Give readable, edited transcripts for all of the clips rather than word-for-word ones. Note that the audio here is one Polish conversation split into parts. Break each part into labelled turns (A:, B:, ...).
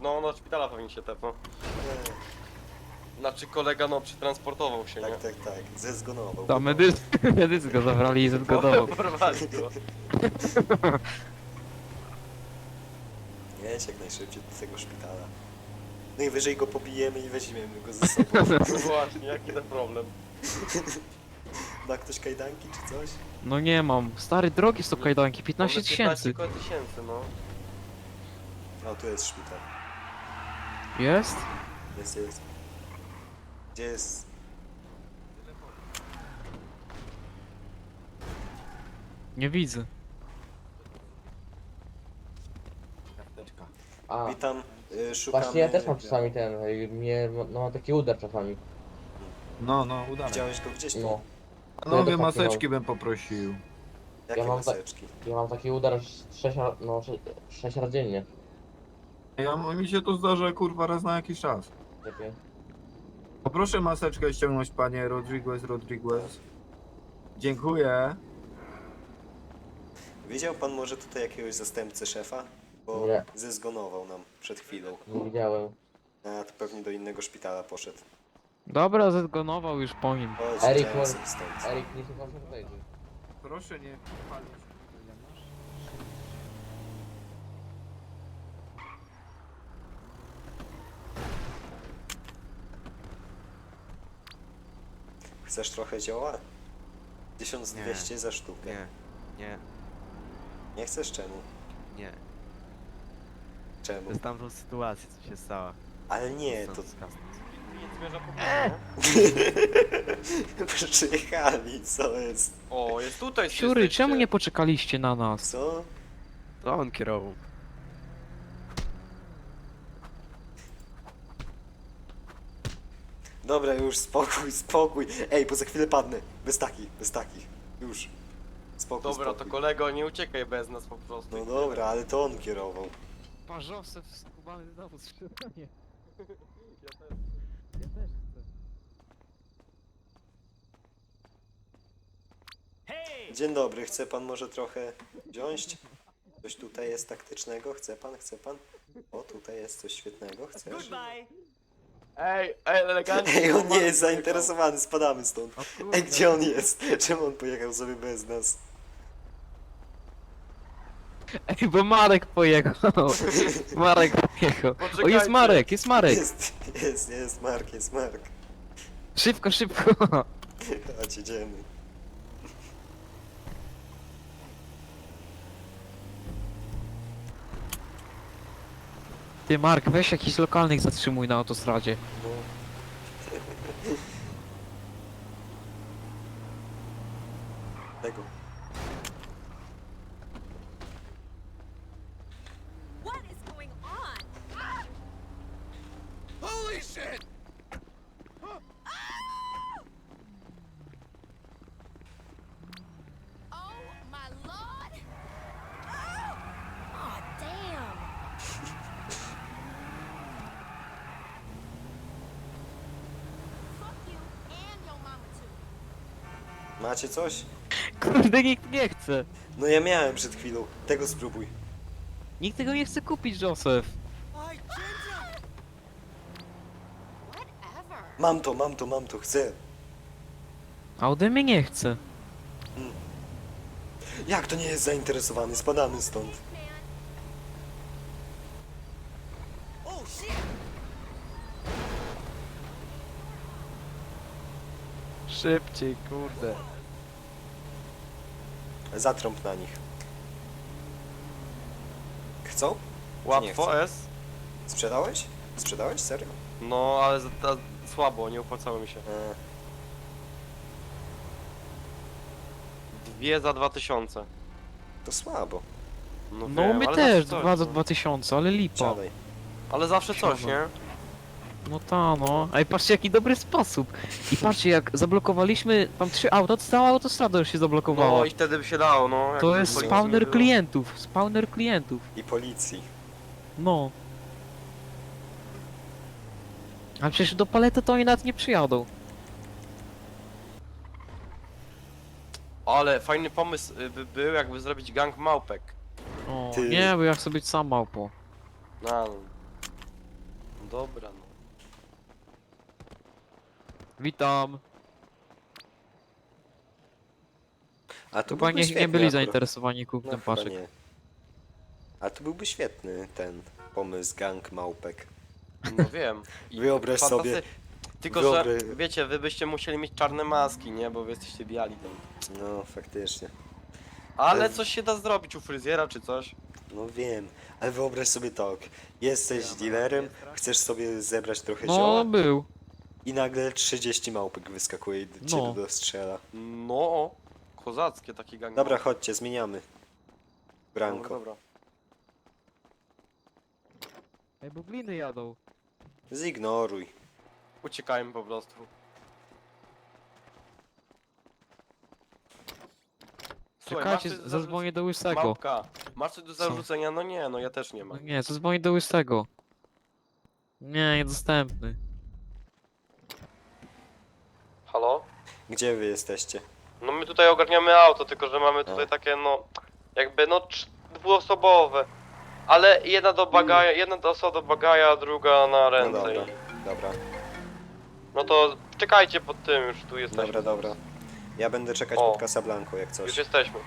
A: No, do szpitala pewnie się tepnął.
B: Nie,
A: Znaczy kolega, no, przetransportował się, nie?
B: tak, zezgonował.
C: To medycy go zabrali i zgodował.
A: Porwali go.
B: Jedź jak najszybciej do tego szpitala. Najwyżej go pobijemy i weźmiemy go ze sobą.
A: No właśnie, jaki ten problem?
B: Ma ktoś kajdanki czy coś?
C: No nie mam. Stary, drogi są kajdanki, 15 tysięcy.
A: 15 tysięcy, no.
B: O, tu jest szpital.
C: Jest?
B: Jest. Gdzie jest?
C: Nie widzę.
D: A,
B: Witam, szukamy...
D: właśnie ja też mam czasami ten, no mam taki udar czasami.
E: No, udane.
B: Widziałeś go gdzieś tu?
D: No,
E: Panowie,
D: ja też taki
E: maseczki bym poprosił.
B: Jakie
D: ja mam
B: maseczki?
D: ja mam taki udar 6 razy dziennie.
E: Mi się to zdarza, kurwa, raz na jakiś czas.
D: Takie.
E: Poproszę maseczkę ściągnąć, panie Rodriguez. Dziękuję.
B: Widział pan może tutaj jakiegoś zastępcę szefa? Bo
D: Nie.
B: zezgonował nam przed chwilą.
D: Nie widziałem.
B: A, to pewnie do innego szpitala poszedł.
C: Dobra, zezgonował już po nim.
B: Chodź,
D: Erik,
B: idziemy
D: może-
B: sobie stąd.
D: Erik, nie słucham się tutaj.
E: Proszę nie palić.
B: Chcesz trochę zioła? 1200 za sztukę.
F: Nie,
B: Nie chcesz? Czemu?
F: nie.
B: Czemu?
F: Znam tą sytuację, co się stała.
B: Ale nie, to...
A: Nie zwierza po
B: Przyjechali, co jest?
A: O, jest tutaj.
C: Siury,
A: jesteście.
C: czemu nie poczekaliście na nas?
B: Co?
F: To on kierował.
B: Dobra, już spokój. Ej, bo za chwilę padnę. Bez takich. Już. Spokój,
A: Dobra, to
B: spokój.
A: kolego, nie uciekaj bez nas po prostu.
B: No dobra, ale to on kierował.
C: Parzowce skubany znowu sprzedanie.
A: Ja też.
C: Ja też chcę.
B: Dzień dobry, chce pan może trochę wziąć? Coś tutaj jest taktycznego? Chce pan? O, tutaj jest coś świetnego, chcesz?
A: Ej, elegancko.
B: Ej, on nie jest zainteresowany, spadamy stąd.
C: O kurde.
B: Ej, gdzie on jest? Czemu on pojechał sobie bez nas?
C: Ej, bo Marek pojechał. Marek pojechał. O,
A: Poczekajcie.
C: jest Marek, jest Marek.
B: Jest Mark.
C: Szybko, szybko.
B: Chodź, idziemy.
C: Ty Mark, weź jakiś lokalnych zatrzymuj na autostradzie.
B: No. Tego.
G: What is going on?
H: Holy shit!
G: Oh my lord! Oh damn! Fuck you and your mama too.
B: Macie coś?
C: Kurde, nikt nie chce.
B: No ja miałem przed chwilą. Tego spróbuj.
C: Nikt tego nie chce kupić, Joseph.
G: Whatever.
B: Mam to, chcę.
C: A ode mnie nie chce.
B: Jak to nie jest zainteresowany? Spadamy stąd.
H: Oh shit!
F: Szybciej, kurde.
B: Zatrąb na nich. Chcą? Nie
A: Łatwo
B: chcę.
A: jest.
B: Sprzedałeś? Sprzedałeś? Serio?
A: No, ale słabo, nie opłacało mi się. Dwie za 2000.
B: To słabo.
A: No,
C: No
A: wiem,
C: my
A: ale
C: też,
A: zawsze
C: 2 za
A: no.
C: 2000, ale lipa.
B: Siadaj.
A: Ale zawsze coś,
C: Siadam.
A: nie?
C: No ta no. Ej, patrzcie jaki dobry sposób. I patrzcie jak zablokowaliśmy tam 3 auta, to cała autostrada już się zablokowała.
A: No i wtedy by się dało, no.
C: To
A: jakby
C: jest
A: policji nie
C: spawner
A: było.
C: klientów, spawner klientów.
B: I policji.
C: No. A przecież do palety to oni nawet nie przyjadą.
A: Ale fajny pomysł by był, jakby zrobić gang małpek.
C: O,
B: Ty.
C: nie, bo ja chcę być sam małpo.
A: No, dobra, no.
C: Witam.
B: A tu
C: Chyba
B: byłby
C: nie
B: świetny
C: byli
B: akurat.
C: zainteresowani
B: No
C: kupnem
B: chyba
C: paszek.
B: nie. A tu byłby świetny ten pomysł gang małpek.
A: No wiem. I
B: Wyobraź sobie-
A: Tylko,
B: wyobraź-
A: że wiecie, wy byście musieli mieć czarne maski, nie? Bo wy jesteście biali tam.
B: No faktycznie.
A: Ale
B: Ale-
A: coś się da zrobić u fryzjera czy coś.
B: No wiem, ale wyobraź sobie tak. Jesteś dealerem, chcesz sobie zebrać trochę
C: No,
B: zioła
C: był.
B: i nagle 30 małpek wyskakuje i cię
C: No.
B: dostrzela.
A: No, kozackie takie gangi.
B: Dobra, chodźcie, zmieniamy. Branko.
A: Dobra.
C: Ej, bo gliny jadą.
B: Zignoruj.
A: Uciekajmy po prostu. Słuchaj,
C: Czekajcie,
A: masz coś do
C: zadzwonię do łysego.
A: Małpka, masz coś do zarzucenia? No nie, no ja też nie
C: No
A: mam.
C: nie, zadzwonię do łysego. Nie, niedostępny.
A: Halo?
B: Gdzie wy jesteście?
A: No my tutaj ogarniamy auto, tylko że mamy tutaj
B: A.
A: takie no, jakby no dwuosobowe. Ale jedna do bagaja, jedna osoba do bagaja, a druga na
B: No
A: ręce.
B: dobra,
A: i-
B: dobra,
A: No to czekajcie pod tym, już tu jesteśmy.
B: dobra, dobra. Ja będę czekać
A: O.
B: pod Casablanco jak
A: Już
B: coś.
A: jesteśmy.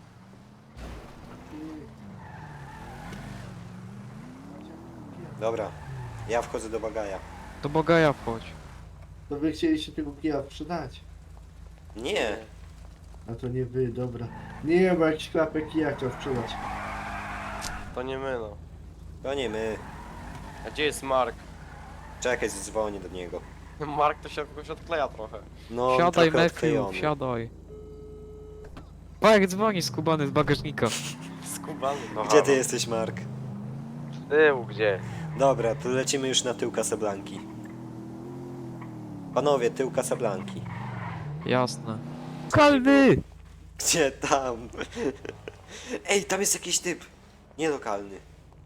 B: Dobra, ja wchodzę do bagaja.
C: Do Bogaja wchodź.
I: To wy chcieliście tego kija sprzedać.
B: Nie,
I: A to nie wy, dobra. Nie, bo jakiś klapek kija chciał sprzedać.
A: To nie my no.
B: to nie my.
A: A gdzie jest Mark?
B: Czekaj, dzwonię do niego.
A: Mark to się jakoś odkleja trochę.
B: No, on
C: Siadaj,
B: trochę
C: Matthew,
B: odklejony.
C: siadaj. Pa, jak dzwoni skubany z bagażnika.
A: Skubany. No,
B: Gdzie ty jesteś, Mark?
A: Z tyłu, gdzie?
B: Dobra, to lecimy już na tył Casablanki. Panowie, tył Casablanki.
C: Jasne. Kalny!
B: Gdzie tam? Ej, tam jest jakiś typ. Nielokalny.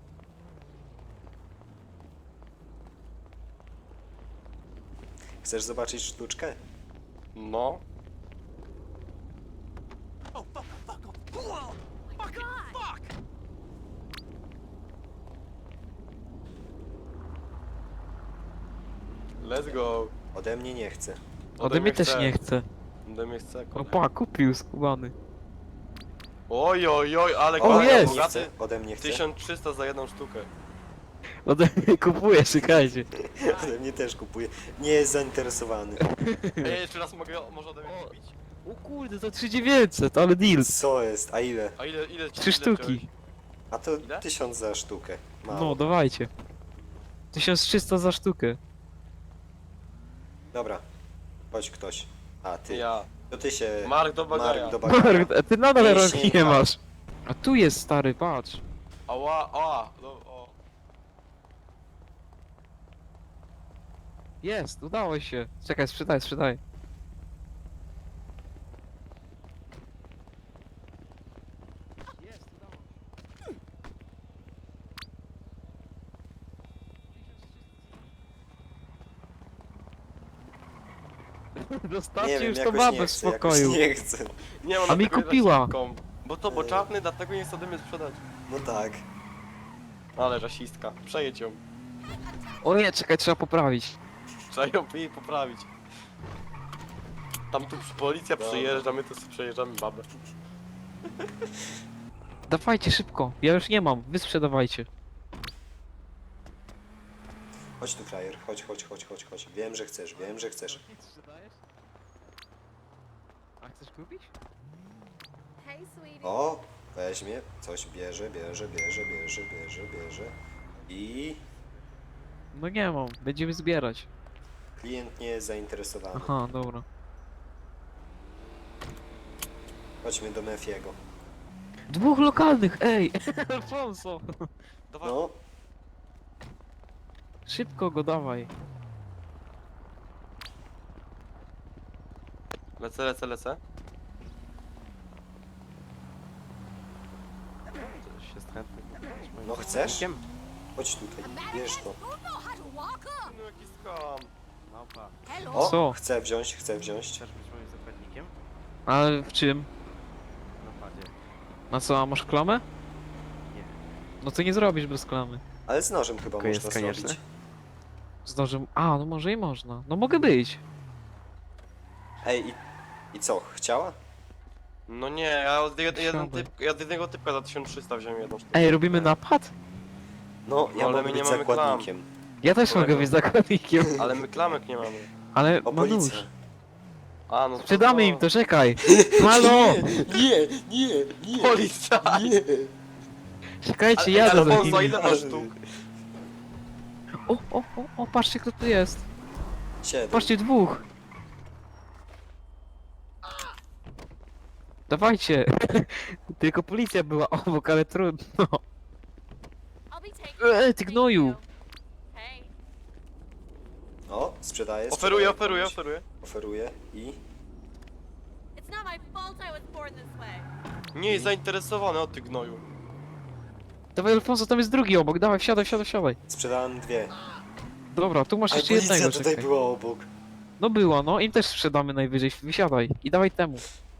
B: Chcesz zobaczyć sztuczkę?
A: No.
H: Oh, fuck, fuck, fuck. Oh, fucking fuck!
A: Let's go.
B: Ode mnie nie chce.
C: Ode mnie też nie chce.
A: Ode mnie chce.
C: No pa, kupił skubany.
A: Oj, oj, oj, ale
C: O,
A: kolega
C: jest!
B: Nie
A: bogaty.
B: chce. Ode mnie chce.
A: 1300 za jedną sztukę.
C: Ode mnie kupuje, czekajcie.
B: Ode mnie też kupuje. Nie jest zainteresowany.
A: Ej, jeszcze raz mogę, może ode mnie kupić?
C: O kurde, to 3900, ale deal.
B: Co jest? A ile?
A: A ile
C: 3 sztuki.
B: A to
A: Ile?
B: 1000 za sztukę. Mało.
C: No, dawajcie. 1300 za sztukę.
B: Dobra. Chodź ktoś. A, ty.
A: Ja.
B: To ty się...
A: Mark do bagaja.
B: Mark do bagaja.
C: Mark, a ty nadal
B: Nie
C: rąk nie
B: sięga.
C: masz. A tu jest stary, patrz.
A: Ała, ała. No, o.
C: Jest, udało się. Czekaj, sprzedaj, sprzedaj. Jest, udało się. Dostawcie
B: Nie wiem,
C: już to
B: jakoś
C: babę
B: nie
C: w
B: chcę, jakoś
C: spokoju.
B: nie chcę.
A: Nie,
C: A mi kupiła.
A: Bo to, bo czarny, dlatego nie chce ode mnie sprzedać.
B: No tak.
A: Ale rasistka. Przejedź ją.
C: O nie, czekaj, trzeba poprawić.
A: Trzeba ją jej poprawić. Tam tu policja
B: Dobra.
A: przyjeżdża, my tu sobie przejeżdżamy babę.
C: Dawajcie szybko, ja już nie mam, wy sprzedawajcie.
B: Chodź tu, frajer. Chodź, chodź, chodź, chodź, chodź. Wiem, że chcesz, wiem, że chcesz.
C: A chcesz kupić?
G: Hey, sweetie.
B: O, weźmie, coś bierze, bierze, bierze, bierze, bierze, bierze. I
C: No nie mam, będziemy zbierać.
B: klient nie jest zainteresowany.
C: Aha, dobra.
B: Chodźmy do Mefiego.
C: Dwóch lokalnych, ej! Alfonso!
A: Dawaj.
B: No,
C: Szybko go dawaj.
A: Lecę, lecę, lecę. Coś jest chętny.
B: no chcesz? Chodź tutaj, bierz to.
G: Who know how to walk up?
A: No jaki skam.
F: Małpa,
G: Hello.
B: O,
C: Co?
B: chcę wziąć, chcę wziąć.
F: chcesz być moim zakładnikiem?
C: Ale w czym?
F: Na padzie.
C: Na co, a masz klamę?
F: Nie.
C: No to nie zrobisz bez klamy.
B: Ale z nożem chyba
F: Tylko jest
B: można
F: konieczne?
B: zrobić.
C: Zdążę... A, no może i można. No mogę być.
B: Ej, i co, chciała?
A: No nie, ja od
C: Siadaj.
A: jednego typka za 1300 wziąłem jedną sztukę.
C: Ej, robimy napad?
B: No, ja
A: Ale
B: mogę
A: my nie
B: być
A: mamy
B: zakładnikiem.
C: Ja też
A: Kolego.
C: mogę być zakładnikiem.
A: Ale my klamek nie mamy.
C: Ale
B: O,
C: ma
B: policja.
C: nóż.
A: A, no to...
C: Sprzedamy im to, czekaj. Halo!
B: Nie,
A: Policja!
B: nie.
C: Czekajcie,
A: Ale
C: jadę za
A: Alfonso,
C: nimi.
A: ile masz sztuk?
C: O, patrzcie kto tu jest.
B: 7.
C: Patrzcie, dwóch. Dawajcie. Tylko policja była obok, ale trudno.
G: I'll be taking
C: Ty gnoju.
G: Hey.
B: O, sprzedaję.
A: Oferuję,
B: sprzedaję
A: oferuję,
B: komuś.
A: oferuję.
B: Oferuję i...
G: It's not my fault I was born this way.
A: Nie jest zainteresowany, o ty gnoju.
C: Dawaj Alfonso, tam jest drugi obok, dawaj, wsiadaj.
B: Sprzedałem 2.
C: Dobra, tu masz
B: A
C: jeszcze
B: policja
C: jednego,
B: tutaj
C: czekaj.
B: była obok.
C: No była, no, im też sprzedamy najwyżej, wysiadaj. I dawaj temu.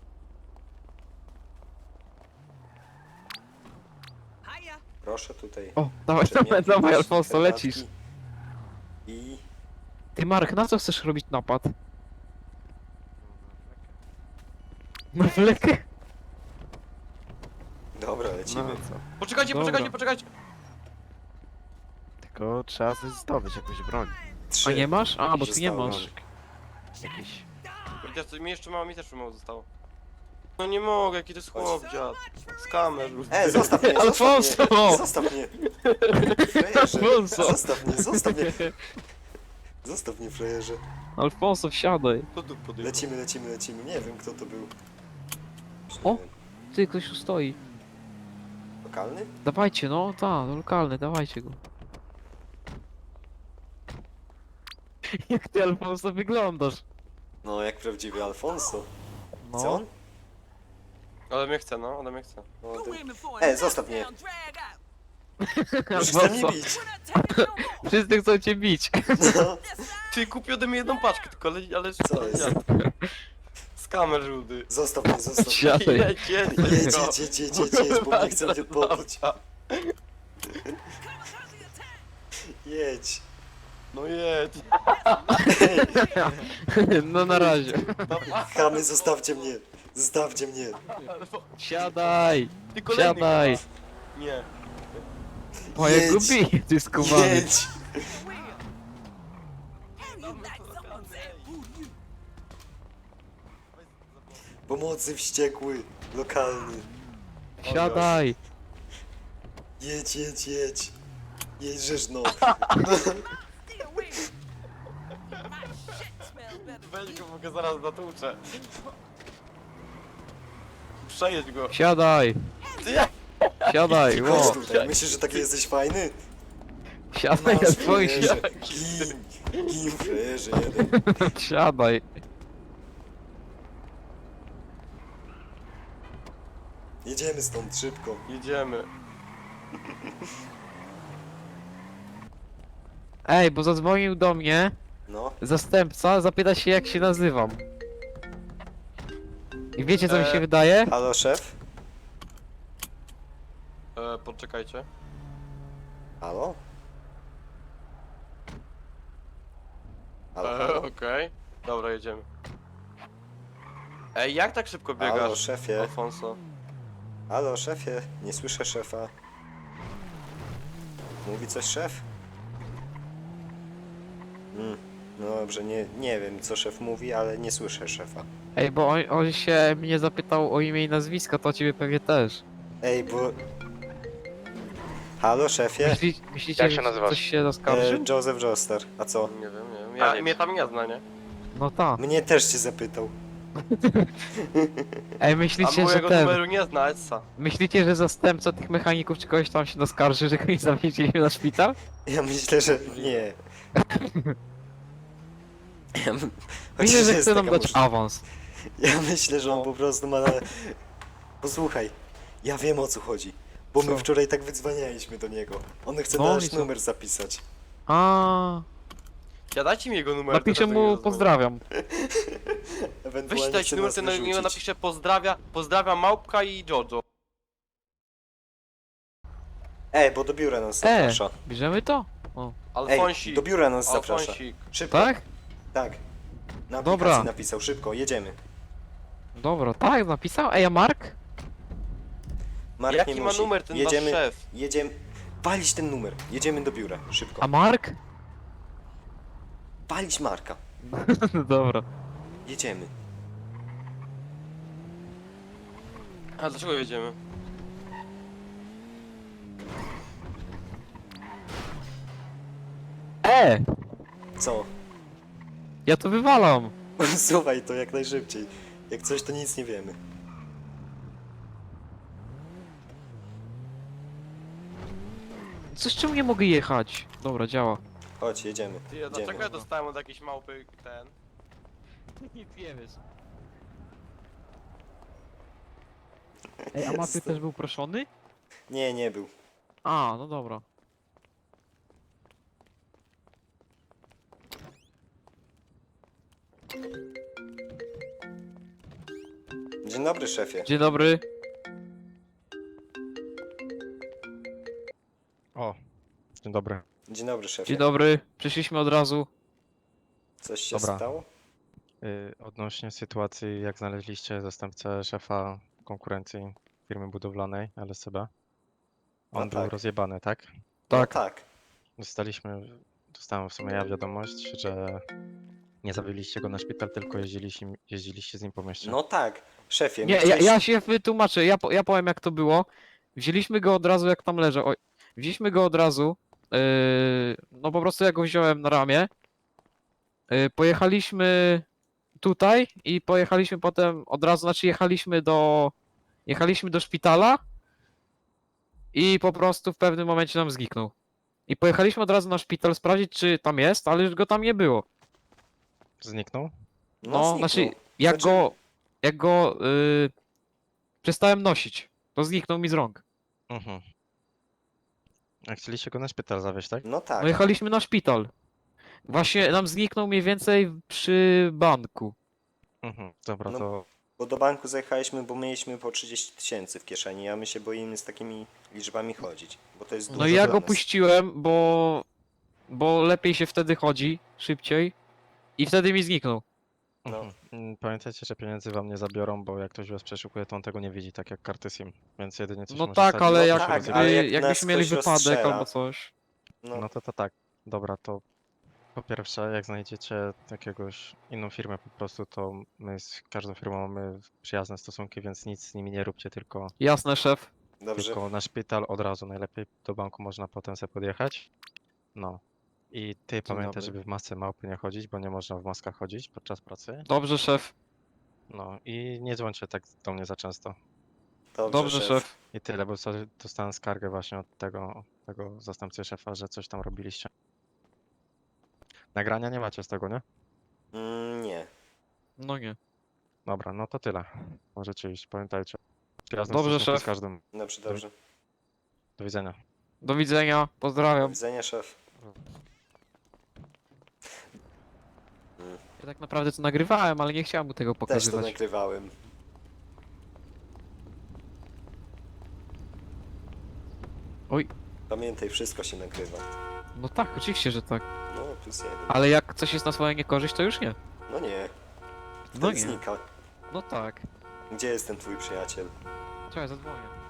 H: Hiya.
B: Proszę tutaj.
C: O, dawaj,
B: przedmioty,
C: dawaj
B: jakieś
C: Alfonso,
B: herbatki.
C: lecisz.
B: I...
C: Ty Marek, na co chcesz robić napad? Na wlekę?
B: Dobra, lecimy.
F: No co?
A: Poczekajcie,
C: Dobra.
A: poczekajcie, poczekajcie.
F: Tylko trzeba coś zdobyć, jakąś broń.
B: 3.
C: A nie masz? A, bo
B: się
C: ty nie
B: stało?
C: masz.
F: Jakiś...
A: Chociaż mi jeszcze mało, mi też mało zostało. No nie mogę, jaki to jest chłop, dziad. Z kamer.
B: Zostaw mnie,
C: Alfonso!
B: Zostaw mnie! Frajerze!
C: Alfonso!
B: Zostaw mnie! Zostaw mnie, frajerze!
C: Alfonso, wsiadaj.
A: Kto tu podjechał?
B: Lecimy. Nie wiem, kto to był.
C: O! Ty, ktoś tu stoi.
B: Lokalny?
C: Dawajcie, no, lokalny, dawajcie go. Jak ty, Alfonso, wyglądasz?
B: No, jak prawdziwy Alfonso. Co
C: No.
B: on?
A: Ale mnie chce, no, ale mnie chce.
B: No,
H: Go
B: ty...
H: in before I
B: zostaw mnie!
H: down, drag out.
B: Już chce mnie
C: Alfonso,
B: bić!
H: We're not taking no more.
C: wszyscy chcą cię bić.
B: No,
A: Ty kupił ode mnie jedną paczkę, tylko ale
B: Co jest?
A: dziad. Z kamer żółty.
B: zostaw mnie, zostaw mnie.
C: Siadaj.
A: Jedź,
B: Jedź, bo mnie chce mnie podbić. Jedź.
A: No jedź.
C: No na razie.
B: Chamy, zostawcie mnie. Zostawcie mnie.
C: Siadaj,
A: Ty kolejny
C: siadaj.
A: chyba. Nie.
C: O, jak go
B: Jedź.
C: bije, ty skubany.
B: Jedź.
H: How you like someone said, who you?
B: Pomocy wściekły. Lokalny.
C: Siadaj.
B: Jedź. Jedź, no.
H: Stay away. My shit smells better.
A: Weź go, mogę zaraz natłuczę. Przejedź go.
C: Siadaj,
A: Ty jak?
C: siadaj,
B: Chodź
C: ło.
B: tutaj. Myślisz, że taki jesteś fajny?
C: Siadaj na swoim
B: frajerze. Gin, frajerze jeden.
C: Siadaj.
B: Jedziemy stąd szybko.
A: Jedziemy.
C: Ej, bo zadzwonił do mnie
B: No.
C: zastępca, zapyta się jak się nazywam. I wiecie co mi się wydaje?
B: Halo, szef?
A: Poczekajcie.
B: Halo? Halo?
A: Okej. Dobra, jedziemy. Ej, jak tak szybko
B: Halo,
A: biegasz,
B: szefie?
A: Alfonso?
B: Halo, szefie? Nie słyszę szefa. Mówi coś szef? No dobrze, nie wiem co szef mówi, ale nie słyszę szefa.
C: Ej, bo on się mnie zapytał o imię i nazwisko, to ciebie pewnie też.
B: Ej, bo... Halo, szefie?
C: Myślicie, że coś się zaskarżył?
B: Joseph Joestar. A co?
A: Nie wiem. Mnie tam nie zna, nie?
C: No tak.
B: Mnie też cię zapytał.
C: Ej,
A: A
C: myślicie, że
A: mojego
C: ten...
A: numeru nie zna, Essa.
C: Myślicie, że zastępca tych mechaników czy kogoś tam się naskarży, że kogoś zawieźliśmy na szpital?
B: Ja myślę, że nie. Ja my-
C: Myślę,
B: chociaż
C: że
B: jest
C: chce nam
B: taka
C: dać
B: możliwość.
C: awans.
B: Ja myślę, że on po prostu ma na... Posłuchaj, ja wiem o co chodzi. Bo my
C: Co?
B: wczoraj tak wydzwanialiśmy do niego. On chce
C: No
B: nasz
C: i co?
B: numer zapisać.
C: A,
A: Ja dajcie mi jego numer.
C: napiszę
A: teraz do niego
C: mu
A: zadzwonię.
C: pozdrawiam.
B: Ewentualnie
A: Weź dajcie
B: chce
A: numer,
B: nas
A: ten niego
B: wyrzucić.
A: napiszę pozdrawiam Małpka i Jojo.
B: Bo do biura nas zaprasza.
C: Bierzemy to? O.
A: Alfonsik.
B: do biura nas zaprasza.
A: Alfonsik.
B: Szybko.
C: Tak?
B: Tak. Na
C: Dobra.
B: aplikacji napisał, szybko, jedziemy.
C: Dobra, tak, napisał. Ej, a Mark?
B: Mark
A: Jaki
B: nie
A: ma
B: musi.
A: numer ten
B: jedziemy,
A: wasz szef?
B: Jedziemy. Walić ten numer. Jedziemy do biura, szybko.
C: A Mark?
B: Walić Marka.
C: Dobra.
B: Jedziemy.
A: A dlaczego jedziemy?
B: Co?
C: Ja to wywalam.
B: Słuchaj to jak najszybciej. Jak coś, to nic nie wiemy.
C: Coś czemu nie mogę jechać? Dobra, działa.
B: Chodź, jedziemy.
A: Ty,
B: Jedziemy.
A: dlaczego ja dostałem od jakiejś małpy ten?
C: Nic nie wiesz. Ej, a Maty też był proszony?
B: Nie, nie był.
C: A, no dobra.
B: Dzień dobry, szefie.
C: Dzień dobry.
J: O, dzień dobry.
B: Dzień dobry, szefie.
C: Dzień dobry. Przyszliśmy od razu.
B: Coś się
J: Dobra.
B: stało?
J: Odnośnie sytuacji, jak znaleźliście zastępcę szefa konkurencji firmy budowlanej LSCB. On
B: No
J: był
B: tak.
J: rozjebany, tak?
C: Tak.
B: No tak.
J: Dostałem w sumie ja wiadomość, że nie zawieźliście go na szpital, tylko jeździliście z nim po mieście.
B: No tak. Szefie,
C: Nie,
B: my
C: ja się wytłumaczę, ja powiem jak to było. Wzięliśmy go od razu jak tam leży. Oj, wzięliśmy go od razu. No po prostu ja go wziąłem na ramię. Pojechaliśmy tutaj i pojechaliśmy potem od razu, znaczy jechaliśmy do szpitala i po prostu w pewnym momencie nam zniknął. I pojechaliśmy od razu na szpital sprawdzić czy tam jest, ale już go tam nie było.
J: Zniknął?
C: No,
B: zniknął.
C: znaczy
B: Znaczy-
C: jak go przestałem nosić, to zniknął mi z rąk.
J: Mhm. A chcieliście go na szpital zawieźć, tak?
B: No tak.
C: No jechaliśmy na szpital. Właśnie nam zniknął mniej więcej przy banku.
J: Mhm. Dobra,
B: No,
J: to
B: Bo do banku zajechaliśmy, bo mieliśmy po 30 000 w kieszeni, a my się boimy z takimi liczbami chodzić. Bo to jest dużo
C: No i ja
B: dla
C: go
B: nas.
C: puściłem, bo lepiej się wtedy chodzi, szybciej. I wtedy mi zniknął.
B: No.
J: Pamiętajcie, że pieniędzy wam nie zabiorą, bo jak ktoś was przeszukuje, to on tego nie widzi, tak jak karty SIM. Więc jedynie coś
C: No
J: może
C: tak,
J: stać,
C: ale
J: że
C: jak,
J: się
B: tak,
J: rozjebie.
B: ale jak nas
C: jakbyśmy mieli
B: ktoś
C: wypadek
B: rozstrzela-
C: albo coś.
B: No,
J: No to tak. Dobra, to po pierwsze, jak znajdziecie jakiegoś inną firmę po prostu, to my z każdą firmą mamy przyjazne stosunki, więc nic z nimi nie róbcie, tylko,
C: Jasne, szef.
B: dobrze.
J: tylko na szpital od razu. Najlepiej do banku można potem sobie podjechać. No. I ty pamiętaj,
C: dobry.
J: żeby w masce małpy nie chodzić, bo nie można w maskach chodzić podczas pracy.
C: Dobrze, szef.
J: No i nie dzwońcie tak do mnie za często.
C: Dobrze, szef.
J: I tyle, bo dostałem skargę właśnie od tego zastępcy szefa, że coś tam robiliście. Nagrania nie macie z tego, nie?
B: Nie.
C: No nie.
J: Dobra, no to tyle. Możecie iść, pamiętajcie. Przyjazne
C: Dobrze,
J: stosunki
C: szef.
J: z każdym.
B: Dobrze, dobrze.
J: Do widzenia.
C: Do widzenia.
B: Do
C: Pozdrawiam.
B: widzenia, szef.
C: Ja tak naprawdę to nagrywałem, ale nie chciałem mu tego
B: Też to
C: pokazywać.
B: nagrywałem.
C: Oj.
B: Pamiętaj, wszystko się nagrywa.
C: No tak, oczywiście, że tak.
B: No, +1.
C: Ale jak coś jest na swoją niekorzyść, to już nie.
B: No nie.
C: No
B: Wtedy
C: nie.
B: znika.
C: No tak.
B: Gdzie jest ten twój przyjaciel?
C: Czekaj, zadzwonię.